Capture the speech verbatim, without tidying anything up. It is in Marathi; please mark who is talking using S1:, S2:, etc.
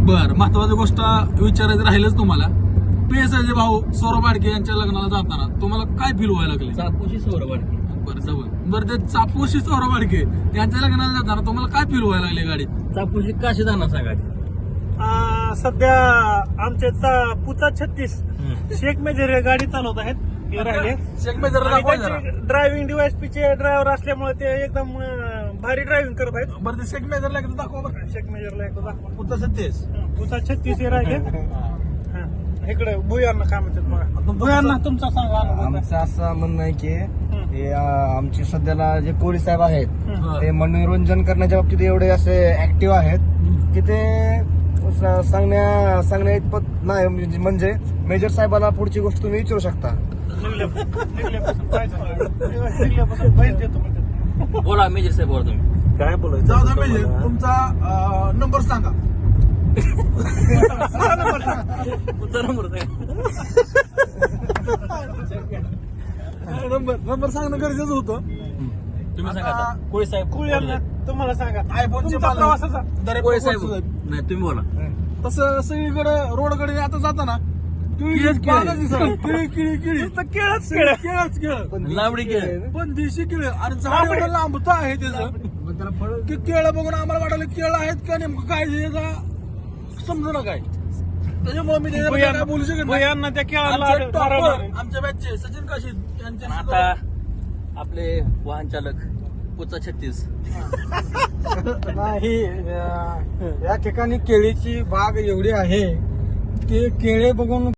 S1: बर महत्वाची गोष्ट विचारायचं राहिलंच तुम्हाला. पेसाचे भाऊ सौरभ आडके यांच्या लग्नाला जाताना तुम्हाला काय फील व्हायला लागले?
S2: चापोशी सौरभ आडके.
S1: बरं जवळ बरं ते चापोशी सौरभ आडके यांच्या लग्नाला जाताना तुम्हाला काय फील व्हायला लागले गाडी?
S2: चापोशी काशी जाणार सांगा.
S3: आ, सध्या आमचे चा- पुचा छत्तीस शेख मेजर हे गाडी चालवत आहेत. हे राहिले
S1: शेख मेजरला दाखवा जरा.
S3: ड्रायव्हिंग डीवायएसपीचे ड्रायव्हर असल्यामुळे ते एकदम अं, भारी ड्रायव्हिंग करत आहेत.
S1: बरं ते शेख मेजरला एकदा दाखवा बरं.
S3: शेख मेजरला एकदा दाखवा.
S1: पुढचा सत्तेस
S3: पुचा छत्तीस हे राहिले. हा. इकडे भुयांना काय म्हणतात बघा. भुयांना तुमचा सांगा अनुभव.
S4: आमचं असं म्हणणं आहे की
S3: हं.
S4: हे अं, आमचे सध्याला जे कोळी साहेब आहेत
S3: हं.
S4: ते मनोरंजन करण्याच्या बाबतीत एवढे असे ऍक्टिव्ह आहेत की ते स- सांगण्या सांगण्या इतपत नाही. म्हणजे- म्हणजे मेजर साहेबाला पुढची गोष्ट तुम्ही विचारू शकता.
S3: निघल्या- निघल्यापासून काय झालं? निघल्यापासून बाहेर देतो म्हणतात.
S2: बोला मेजर साहेब बोला तुम्ही.
S3: काय बोलायचं?
S1: जाऊ द्या मेजर तुमचा नंबर सांगा.
S2: तुमचा नंबर सांगा.
S1: नंबर नंबर सांगणं गरजेचं होतं.
S2: तुम्ही सांगा
S1: आता
S2: आता. कोळी साहेब
S3: कुळ्यांना तुम्हाला सांगा.
S1: आयफोनचे
S3: तुमचा प्रवासाचा
S1: दरेक
S2: कोळी साहेब
S1: साहेब
S2: नाही तुम्ही बोला.
S1: तसं सगळीकडे रोडकडे आता जाताना
S3: किळीच किळी.
S1: बागच दिसणार. किळी किळी किळी
S3: नुसतं केळंच केळं.
S1: केळच केळ
S2: लावडी केळ.
S1: पण देशी केळ आणि झाड एवढं लांबत आहे त्याचं की केळं बघून आम्हाला वाटलं केळं आहेत का नेमकं काय याचा समजू ना काय. त्याच्यामुळे मी त्याच्याबद्दल काय बोलू शकत नाही.
S3: भुयांना त्या केळाला
S1: आमचे
S3: मारायला
S1: topper,
S3: लागले.
S1: आमच्या बॅचचे सचिन काशीद यांचे
S2: आणि
S1: सुद्धा-
S2: आता आपले वाहन चालक पुचा छत्तीस.
S5: नाही अं, या ठिकाणी केळीची बाग एवढी आहे की केळे बघून